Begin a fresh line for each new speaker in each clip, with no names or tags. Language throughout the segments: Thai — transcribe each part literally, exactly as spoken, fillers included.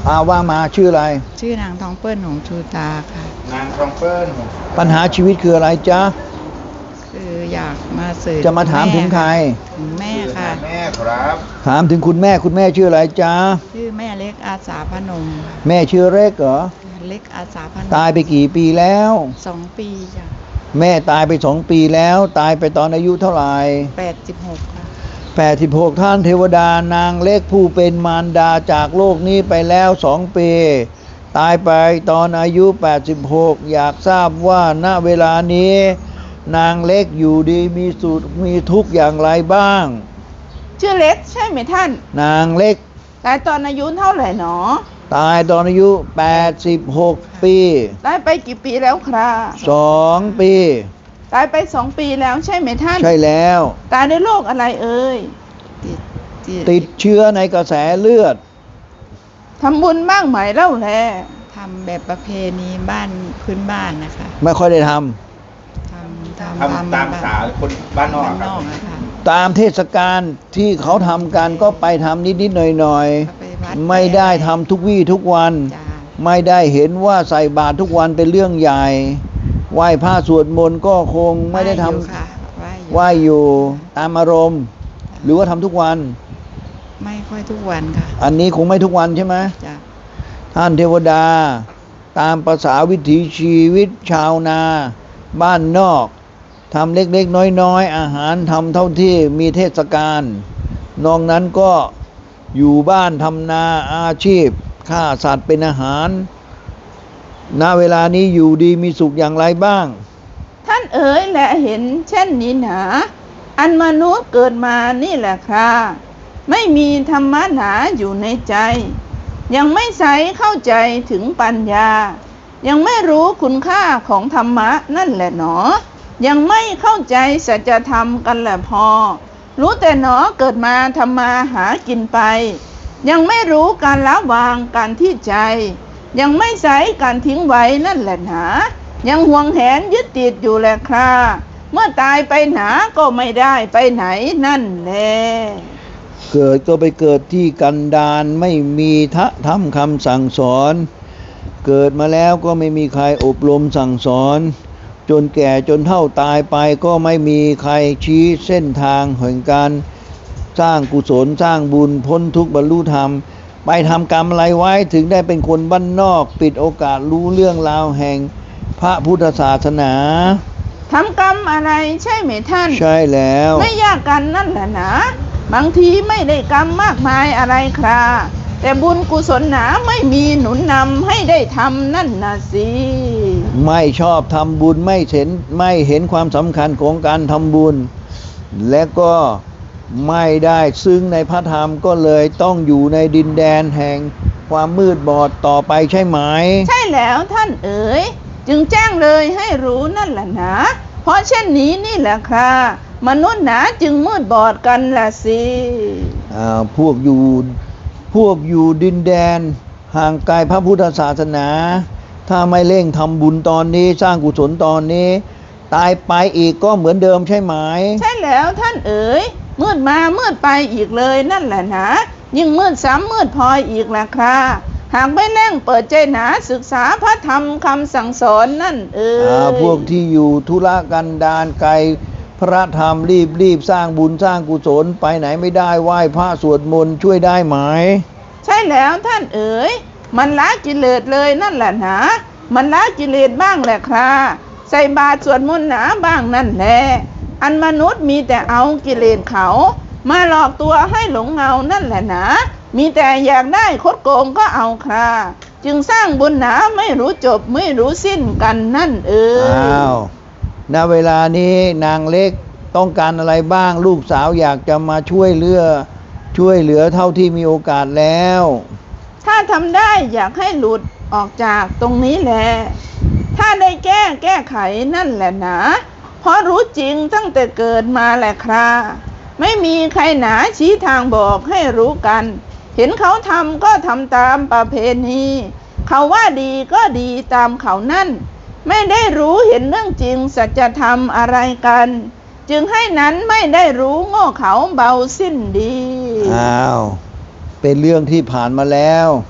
อาว่ามาชื่ออะไร
ชื่อนางทองเปิ้ลหงชูตาค่ะ
นางทองเปิ้ล
ปัญหาชีวิตคืออะไรจ๊ะ
คืออยากมาสื่อ
จะมาถามถึงใคร
ถึงแม่ค่ะ
แม่ครับ
ถามถึงคุณแม่คุณแม่ชื่ออะไรจ๊ะ
ชื่อแม่เล็กอาสาพนม
แม่ชื่อเล็กเหรอ
เล็กอาสาพนม
ตายไปกี่ปีแล้ว
สองปีจ้ะ
แม่ตายไปสองปีแล้วตายไปตอนอายุเท่าไหร่
แปดสิบหกค่ะ
แปดสิบหกท่านเทวดานางเล็กผู้เป็นมารดาจากโลกนี้ไปแล้วสองปีตายไปตอนอายุแปดสิบหกอยากทราบว่าณเวลานี้นางเล็กอยู่ดีมีสุขมีทุกข์อย่างไรบ้าง
ชื่อเล็กใช่ไหมท่าน
นางเล็ก
ตายตอนอายุเท่าไหร่หนอ
ตายตอนอายุแปดสิบหกปี
ตายไปกี่ปีแล้วครับ
สองปี
ตายไปสองปีแล้วใช่ไหมท่าน
ใช่แล้ว
ตายด้วยโรคอะไรเอ่ย
ติดติดเชื้อในกระแสเลือด
ทำบุญบ้างไหมเล่าแล
ทำแบบประเพณีบ้านพื้นบ้านนะคะ
ไม่ค่อยได้ทำ
ทำทำ
ตามสาคนบ้านนอกครับ
ตามเทศกาลที่เขาทำกันก็ไปทำนิดๆหน่อยๆไม่ได้ทำทุกวี่ทุกวันไม่ได้เห็นว่าใส่บาตรทุกวันเป็นเรื่องใหญ่ไหว้พระสวดมนต์ก็คงไม่ได้ทำไหว้อยู่ตามอารมณ์หรือว่าทำทุกวัน
ไม่ค่อยทุกวันค่ะ
อันนี้คงไม่ทุกวันใช่ไหม
จ้ะ
ท่านเทวดาตามภาษาวิถีชีวิตชาวนาบ้านนอกทำเล็กๆน้อยๆอาหารทำเท่าที่มีเทศกาลนอกนั้นก็อยู่บ้านทำนาอาชีพฆ่าสัตว์เป็นอาหารณเวลานี้อยู่ดีมีสุขอย่างไรบ้าง
ท่านเอ๋ยและเห็นเช่นนี้หนาอันมนุษย์เกิดมานี่แหละครับไม่มีธรรมะหนาอยู่ในใจยังไม่ใสเข้าใจถึงปัญญายังไม่รู้คุณค่าของธรรมะนั่นแหละหนอยังไม่เข้าใจสัจธรรมกันแหละพอรู้แต่หนอเกิดมาทำมาหากินไปยังไม่รู้การละวางการที่ใจยังไม่ใสการทิ้งไว้นั่นแหละหนายังห่วงแหนยึดติดอยู่แหละคราเมื่อตายไปหนาก็ไม่ได้ไปไหนนั่นแหละ
เกิดก็ไปเกิดที่กันดารไม่มีทะธรรมคำสั่งสอนเกิดมาแล้วก็ไม่มีใครอบรมสั่งสอนจนแก่จนเฒ่าตายไปก็ไม่มีใครชี้เส้นทางแห่งการสร้างกุศลสร้างบุญพ้นทุกข์บรรลุธรรมไปทำกรรมอะไรไว้ถึงได้เป็นคนบ้านนอกปิดโอกาสรู้เรื่องราวแห่งพระพุทธศาสนา
ทำกรรมอะไรใช่ไหมท่าน
ใช่แล้ว
ไม่ยากกันนั่นแหละนะบางทีไม่ได้กรรมมากมายอะไรครับแต่บุญกุศลหนาไม่มีหนุนนำให้ได้ทำนั่นนะสิ
ไม่ชอบทำบุญไม่เห็นไม่เห็นความสำคัญของการทำบุญและก็ไม่ได้ซึ้งในพระธรรมก็เลยต้องอยู่ในดินแดนแห่งความมืดบอดต่อไปใช่ไหม
ใช่แล้วท่านเอ๋ยจึงแจ้งเลยให้รู้นั่นแหละนะเพราะเช่นนี้นี่แหละครับมนุษย์หนาจึงมืดบอดกันละสิ
อ่าพวกอยู่พวกอยู่ดินแดนห่างไกลพระพุทธศาสนาถ้าไม่เร่งทำบุญตอนนี้สร้างกุศลตอนนี้ตายไปอีกก็เหมือนเดิมใช่ไหม
ใช่แล้วท่านเอ๋ยมืดมามืดไปอีกเลยนั่นแหละนะยิ่งมืดซ้ำมืดพลอยอีกแหละครับหากไม่เร่งเปิดใจหนาศึกษาพระธรรมคำสั่งสอนนั่นเอ๋
ยพวกที่อยู่ธุระกันดารไกลพระธรรมรีบรีบสร้างบุญสร้างกุศลไปไหนไม่ได้ไหว้พระสวดมนต์ช่วยได้ไหม
ใช่แล้วท่านเอ๋ยมันละกิเลสเลยนั่นแหละนะมันละกิเลสบ้างแหละครับใส่บาตรสวดมนต์หนาบ้างนั่นแหละอันมนุษย์มีแต่เอากิเลสเขามาหลอกตัวให้หลงเงานั่นแหละนะมีแต่อยากได้คดโกงก็เอาครับจึงสร้างบุญหนาไม่รู้จบไม่รู้สิ้นกันนั่นเอ๋ย
อ้าวณเวลานี้นางเล็กต้องการอะไรบ้างลูกสาวอยากจะมาช่วยเหลือช่วยเหลือเท่าที่มีโอกาสแล้ว
ถ้าทำได้อยากให้หลุดออกจากตรงนี้แหละถ้าได้แก้แก้ไขนั่นแหละนะเพราะรู้จริงตั้งแต่เกิดมาแหละครับไม่มีใครหนาชี้ทางบอกให้รู้กันเห็นเขาทำก็ทำตามประเพณีเขาว่าดีก็ดีตามเขานั่นไม่ได้รู้เห็นเรื่องจริงสัจธรรมอะไรกันจึงให้นั้นไม่ได้รู้โง่เขาเบาสิ้นดี
อ้าวเป็นเรื่องที่ผ่านมาแล้ว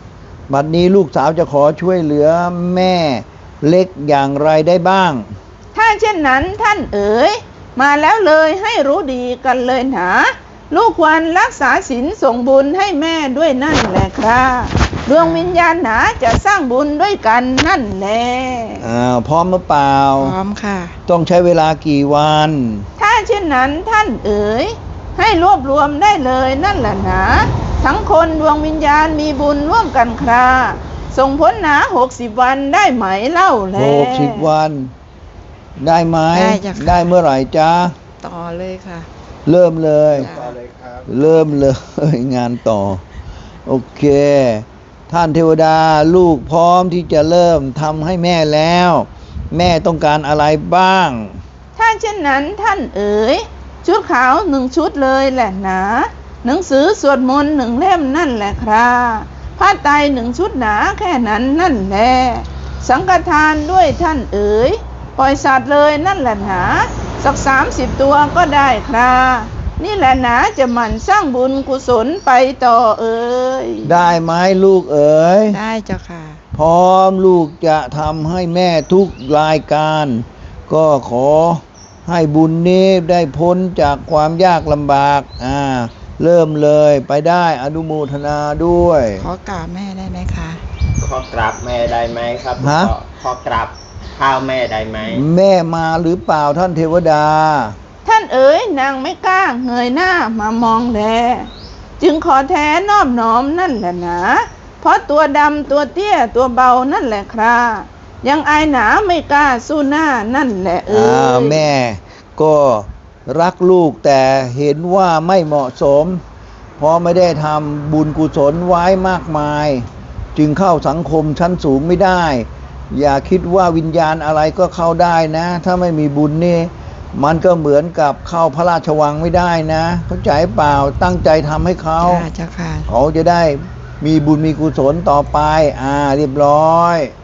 บัดนี้ลูกสาวจะขอช่วยเหลือแม่เล็กอย่างไรได้บ้าง
ถ้าเช่นนั้นท่านเอ๋ยมาแล้วเลยให้รู้ดีกันเลยหนาลูกควรรักษาศีลส่งบุญให้แม่ด้วยนั่นแหละครับดวงวิญญาณหนาจะสร้างบุญด้วยกันนั่นแหละ
อ่าพร้อมหรือเปล่า
พร้อมค่ะ
ต้องใช้เวลากี่วัน
ถ้าเช่นนั้นท่านเอ๋ยให้รวบรวมได้เลยนั่นแหละหนาทั้งคนดวงวิญญาณมีบุญร่วมกันคราส่งผลหนาหกสิบวันได้ไหมเล่าแล
หกสิบวัน ได้ไหม
ได้จ้ะค่ะ
ได้เมื่อไหร่จ๊ะ
ต่อเลยค่ะ
เริ่มเลย
จ้ะ
ต่อเลยครับ
เริ่มเลย งานต่อ โอเค ท่านเทวดาลูกพร้อมที่จะเริ่มทำให้แม่แล้ว แม่ต้องการอะไรบ้าง
ถ้าเช่นนั้นท่านเอ๋ยชุดขาวหนึ่งชุดเลยแหละหนาหนังสือสวดมนต์หนึ่งเล่มนั่นแหละครับผ้าไตรหนึ่งชุดหนาแค่นั้นนั่นแหละสังฆทานด้วยท่านเอ๋ยปล่อยสัตว์เลยนั่นแหละหนาสักสามสิบตัวก็ได้ครับนี่แหละหนาจะหมั่นสร้างบุญกุศลไปต่อเอ๋ย
ได้ไหมลูกเอ๋ย
ได้เจ้าค่ะ
พร้อมลูกจะทำให้แม่ทุกรายการ ก็ขอให้บุญนี้ได้พ้นจากความยากลำบากอ่าเริ่มเลยไปได้อนุโมทนาด้วย
ขอกราบแม่ได้ไหมคะ
ขอกราบแม่ได้ไหมครับ
ฮะ
ขอขอกราบข้าวแม่ได้ไหม
แม่มาหรือเปล่าท่านเทวดา
ท่านเอ๋ยนางไม่กล้าเงยหน้ามามองแลจึงขอแท้นอบน้อมนั่นแหละหนะเพราะตัวดำตัวเตี้ยตัวเบานั่นแหละครับยังอายหนาไม่กล้าสู้หน้านั่นแหละเอ๋
อ่าย แม่ก็รักลูกแต่เห็นว่าไม่เหมาะสม เพราะไม่ได้ทำบุญกุศลไว้มากมาย จึงเข้าสังคมชั้นสูงไม่ได้ อย่าคิดว่าวิญญาณอะไรก็เข้าได้นะ ถ้าไม่มีบุญนี่มันก็เหมือนกับเข้าพระราชวังไม่ได้นะเข้าใจเปล่าตั้งใจทำให้เขา
จ้าเจ้าค่ะ
เขาจะได้มีบุญมีกุศลต่อไปอ่าเรียบร้อย